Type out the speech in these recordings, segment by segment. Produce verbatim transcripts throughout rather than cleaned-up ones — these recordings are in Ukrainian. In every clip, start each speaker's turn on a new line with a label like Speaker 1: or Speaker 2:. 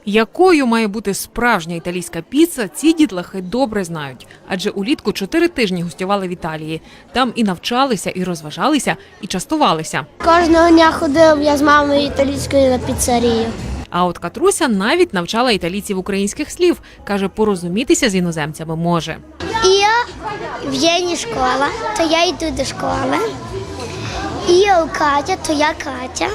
Speaker 1: Якою має бути справжня італійська піца, ці дітлахи добре знають. Адже улітку чотири тижні гостювали в Італії. Там і навчалися, і розважалися, і частувалися.
Speaker 2: Кожного дня ходив я з мамою італійською на піцерію.
Speaker 1: А от Катруся навіть навчала італійців українських слів. Каже, порозумітися з іноземцями може.
Speaker 2: І в Єні школа, то я йду до школи. І у Катя, то я Катя.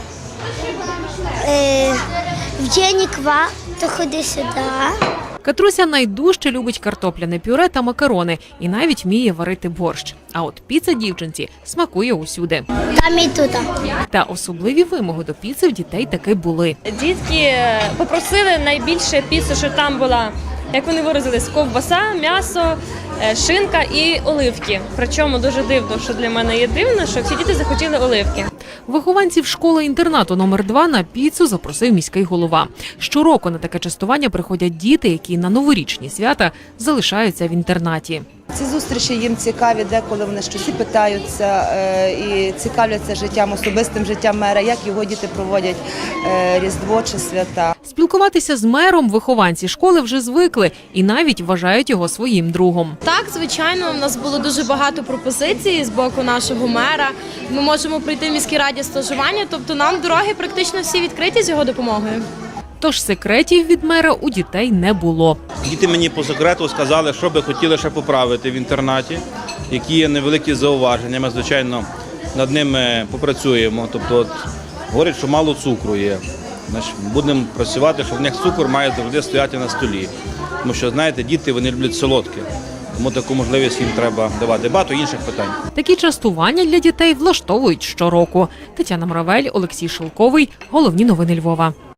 Speaker 2: Е, в Єні ква, то ходи сюди.
Speaker 1: Катруся найдужче любить картопляне пюре та макарони і навіть вміє варити борщ. А от піца дівчинці смакує усюди.
Speaker 2: Там і тут.
Speaker 1: Та особливі вимоги до піци в дітей таки були.
Speaker 3: Дітки попросили найбільше піцу, що там була, як вони виразились, ковбаса, м'ясо, шинка і оливки. Причому дуже дивно, що для мене є дивно, що всі діти захотіли оливки.
Speaker 1: Вихованців школи-інтернату номер два на піцу запросив міський голова. Щороку на таке частування приходять діти, які на новорічні свята залишаються в інтернаті.
Speaker 4: Ці зустрічі їм цікаві, деколи вони щось і питаються і цікавляться життям, особистим життям мера, як його діти проводять Різдво чи свята.
Speaker 1: Спілкуватися з мером вихованці школи вже звикли і навіть вважають його своїм другом.
Speaker 5: Так, звичайно, у нас було дуже багато пропозицій з боку нашого мера. Ми можемо прийти в міській раді стажування, тобто нам дороги практично всі відкриті з його допомогою.
Speaker 1: Тож секретів від мера у дітей не було.
Speaker 6: Діти мені по секрету сказали, що би хотіли ще поправити в інтернаті, які є невеликі зауваження. Ми, звичайно, над ними попрацюємо. Тобто, от, говорять, що мало цукру є. Значить, будемо працювати, що в них цукор має завжди стояти на столі. Тому що, знаєте, діти, вони люблять солодке. Тому таку можливість їм треба давати. Багато інших питань.
Speaker 1: Такі частування для дітей влаштовують щороку. Тетяна Мравель, Олексій Шилковий. Головні новини Львова.